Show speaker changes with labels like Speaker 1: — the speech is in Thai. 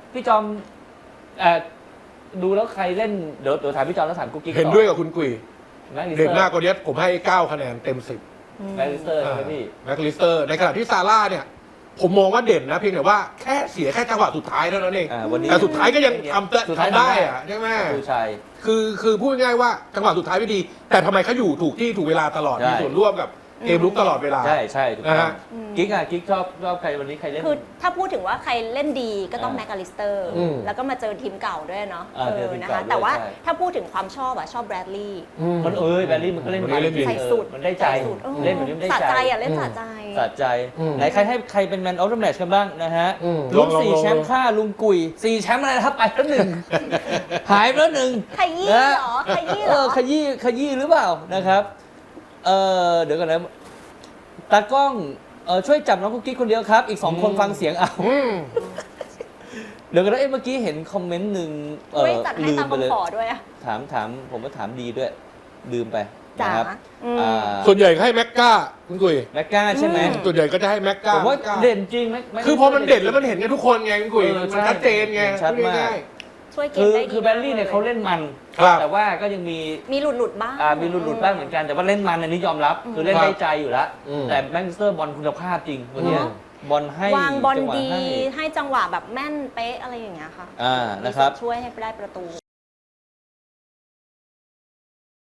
Speaker 1: พี่จอมเอ่อดูแล้วใครเล่นเดี๋ยวถามพี่จอมแล้วถามกุ๊กกิ๊ก
Speaker 2: เห็นด้วยกับคุณกุย
Speaker 1: แม็กลิสเต
Speaker 2: เด่
Speaker 1: อน ร์
Speaker 2: มากกว่านี้ผมให้9คะแนนเต็ม10
Speaker 1: แม็กลิสเตอร์ใช่ไหมพี่
Speaker 2: แม็กลิสเตอร์ในขณะที่ซาร่าเนี่ยผมมองว่าเด่นนะเพียงแต่ว่าแค่เสียแค่จังหวะสุดท้ายเท่านั้นเอง
Speaker 1: วันนี้
Speaker 2: แต่สุดท้ายก็ยัง
Speaker 1: สุดท้าย
Speaker 2: ทำได้อะใช่ไหม
Speaker 1: ดูชัย
Speaker 2: คือพูดง่ายๆว่าจังหวะสุดท้ายไม่ดี แต่ทำไมเขาอยู่ถูกที่ถูกเวลาตลอด
Speaker 1: ใช่
Speaker 2: มีส่วนร่วมกับเกมลุกตลอดเวลา
Speaker 1: ใช่ถูกต้องกิ๊กกิ๊กชอบใครวันนี้ใครเล่น
Speaker 3: คือถ้าพูดถึงว่าใครเล่นดีก็ต้อง
Speaker 1: อ่า
Speaker 3: แม็กอลิสเตอร์
Speaker 2: อืม
Speaker 3: แล้วก็มาเจอทีมเก่าด้วยเนาะ
Speaker 1: เจอทีม
Speaker 3: นะ
Speaker 1: เก่า
Speaker 3: คะ
Speaker 1: ด้วย
Speaker 3: แต่ว่า
Speaker 1: ใช่
Speaker 3: ถ้าพูดถึงความชอบชอบแบรดลีย์
Speaker 1: มันแบลลี่มันก็เล่น
Speaker 2: มันก็เล่นดี
Speaker 3: ใส่สุด
Speaker 1: มันได้ใจ
Speaker 3: ใส่สุด
Speaker 1: เล่นแบบนี้มันได้
Speaker 3: สะ
Speaker 1: ใจ
Speaker 3: ใจอ่ะเล่นสะใจ
Speaker 1: สะใจ ไหนใครให้ใครเป็นแมนออฟเดอะแมตช์กันบ้างนะฮะ
Speaker 2: ล
Speaker 1: ลุ
Speaker 2: อง
Speaker 1: ง4 แชมป์ค่าลุงกุย4 แชมป์อะไรนะครับไปแล้วหนึ่ง หายไปแล้วหนึ่ง
Speaker 3: ขยี้เหรอขยี้เหรอ
Speaker 1: ขยี้หรือเปล่านะครับเดี๋ยวก่อนนะตากล้องช่วยจับน้องกุ๊กกิ๊กคนเดียวครับ อีก2 คนฟังเสียงเอาเดี๋ยวกันนะเมื่อกี้เห็นคอมเมนต์หนึ่ง
Speaker 3: ไม่จัดให้ตาม
Speaker 1: ไปเลย
Speaker 3: คำขอด้วยอะ
Speaker 1: ถามผมก็ถามดีด้วยลืมไป
Speaker 3: จ๋า
Speaker 1: นะครับ
Speaker 2: ส่วนใหญ่ก็ให้แม็กก้าคุณกุย
Speaker 1: แม็กก้าใช่ไหม
Speaker 2: ส่วนใหญ่ก็จะให้แม็กก้า
Speaker 1: ผมว่าเด่นจริงไหม
Speaker 2: คือพอมันเด่นแล้วมันเห็นกันทุกคนไงคุณกุย
Speaker 1: เออ
Speaker 2: มันชัดเจนไง
Speaker 1: ชัดมาก
Speaker 2: ง่าย
Speaker 3: ช่วยเก
Speaker 1: คื
Speaker 3: ม
Speaker 1: อ
Speaker 3: ได้ดี
Speaker 1: คือแบลลี่เนี่ยเขาเล่นมัน
Speaker 2: ครับ
Speaker 1: แต่ว่าก็ยังมี
Speaker 3: มีหลุดบ้าง
Speaker 1: มีหลุดบ้างเหมือนกันแต่ว่าเล่นมันอันนี้ยอมรับ คือเล่นได้ใจอยู่แล้ว แต่แมนเชสเตอร์บอลคุณภาพจริงวันเนี้ย
Speaker 3: เนอะ
Speaker 1: บอลให้
Speaker 3: วางบอล
Speaker 1: จังหวะ
Speaker 3: ดี
Speaker 1: ให้
Speaker 3: ให้จังหวะแบบแม่นเป๊ะอะไรอย่างเงี้ยค่ะ
Speaker 1: นะครับ
Speaker 3: ช่วยให้ได้ประตู